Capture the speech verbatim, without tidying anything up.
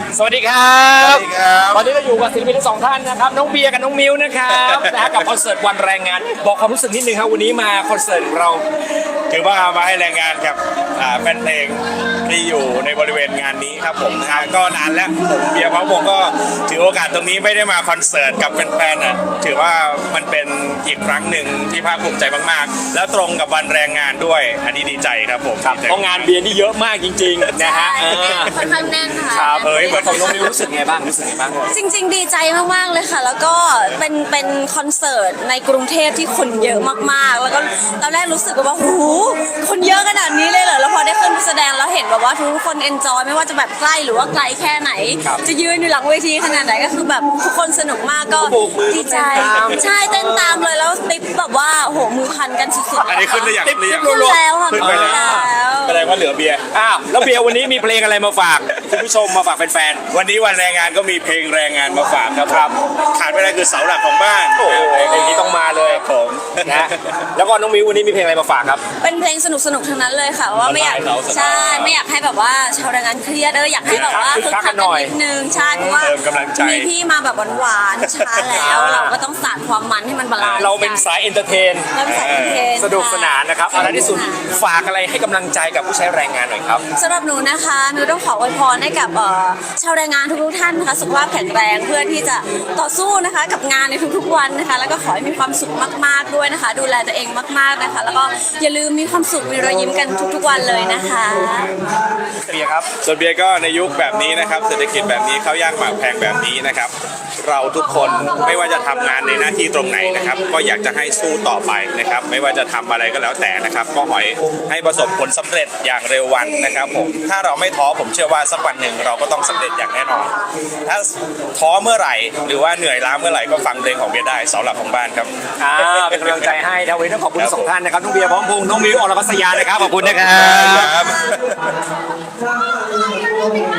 สวัสดีครับสวัสดีครับตอนนี้เราอยู่กับศิลปินทั้งสองท่านนะครับน้องเบียร์กับน้องมิวนะครับนะฮะกับคอนเสิร์ตวันแรงงานบอกความรู้สึกนิดนึงครับวันนี้มาคอนเสิร์ตของเราถือว่ามาให้แรงงานกับอ่าแฟนเพลงที่อยู่ในบริเวณงานนี้ครับผมนะฮะก็นานแล้วผมเบียร์พร้อมวงก็ถือโอกาสตรงนี้ไม่ได้มาคอนเสิร์ตกับแฟนๆนะถือว่ามันเป็นอีกครั้งหนึ่งที่ภาคภูมิใจมากๆ แล้วตรงกับวันแรงงานด้วยอันนี้ดีใจครับผมครับเพราะงานเบียร์นี่เยอะมากจริงๆนะฮะเออค่อนข้างแน่นค่ะครับเอ้ยเหมือนของน้องมิวรู้สึกไงบ้างรู้สึกไงบ้างจริงๆ ดีใจมากๆเลยค่ะ แล้วก็เป็นเป็นคอนเสิร์ตในกรุงเทพที่คนเยอะมากๆ แล้วก็ตอนแรกรู้สึกว่าหูคนเยอะขนาดนี้เลยเหรอแล้วพอได้ขึ้นไปแสดงแล้วเห็นแบบว่าทุกคนเอนจอยไม่ว่าจะแบบใกล้หรือว่าไกลแค่ไหน จะยืนอยู่หลังเวทีขนาดไหนก็คือแบบทุกคนสนุกมากก็ดีใจใช่เต้นตามเลยแล้วติ๊บแบบว่าโหมือพันกันสุดๆอันนี้ขึ้นหรือยังติ๊บหรือยังขึ้นแล้วค่ะขึ้นขึ้นไปแล้แล้ววแสดงว่าเหลือเบียร์อ้าวแล้วเบียร์วันนี้มีเพลงอะไรมาฝากคุณผู้ชมมาฝากแฟนวันนี้วันแรงงานก็มีเพลงแรงงานมาฝากครับครับขาดไม่ได้คือเสาหลักของบ้านๆโอ้โหเพลงนี้ต้องมาเลยผมนะแล้วก็น้องมิววันนี้มีเพลงอะไรมาฝากครับเป็นเพลงสนุกสนุกๆทั้งนั้นเลยค่ะว่าไม่อยากสบายเราสบายใช่ไม่อยากให้แบบว่าชาวแรงงานเครียดเอออยากให้แบบว่าคึกคึกคักคักักนหน่กันอยนิดนึงใช่เพราะว่าเติมกำลังใจมีพี่มาแบบหวานๆช้าแล้ว เราก็ต้องสานความมันให้มันบาลานซ์เราเป็นสายเอนเตอร์เทนเราเป็นสายเพลงสนุกสนานนะครับเอาล่ะที่สุดฝากอะไรให้กำลังใจกับผู้ใช้แรงงานหน่อยครับสำหรับหนูนะคะหนูต้องขออวยพรให้กับเอ่อชาวแรงงานทุกๆท่านนะคะสุขภาพแข็งแรงเพื่อที่จะต่อสู้นะคะกับงานในทุกๆวันนะคะ แล้วก็ขอให้มีความสุขมากๆด้วยนะคะ ดูแลตัวเองมากๆนะคะ แล้วก็อย่าลืมมีความสุขมีรอยยิ้มกันทุกๆวันเลยนะคะเบียร์ครับส่วนเบียร์ก็ในยุคแบบนี้นะครับเศรษฐกิจแบบนี้ข้าวยากหมากแพงแบบนี้นะครับเราทุกคนไม่ว่าจะทำงานในหน้าที่ตรงไหนนะครับก็อยากจะให้สู้ต่อไปนะครับไม่ว่าจะทำอะไรก็แล้วแต่นะครับก็ขอให้ประสบผลสำเร็จอย่างเร็ววันนะครับผมถ้าเราไม่ท้อผมเชื่อว่าสักวันหนึ่งเราก็ต้องสำเร็จอย่างแน่นอน ถ้าท้อเมื่อไหร่หรือว่าเหนื่อยล้าเมื่อไหร่ก็ฟังเพลงของเบียร์ได้เสาหลักของบ้านครับอ่าเป็นกำลังใจให้นะวันนี้ต้องขอบคุณทั้งสองท่านนะครับน้องเบียร์พร้อมพงษ์น้องมิวอรพัสยานะครับขอบคุณนะครับครับ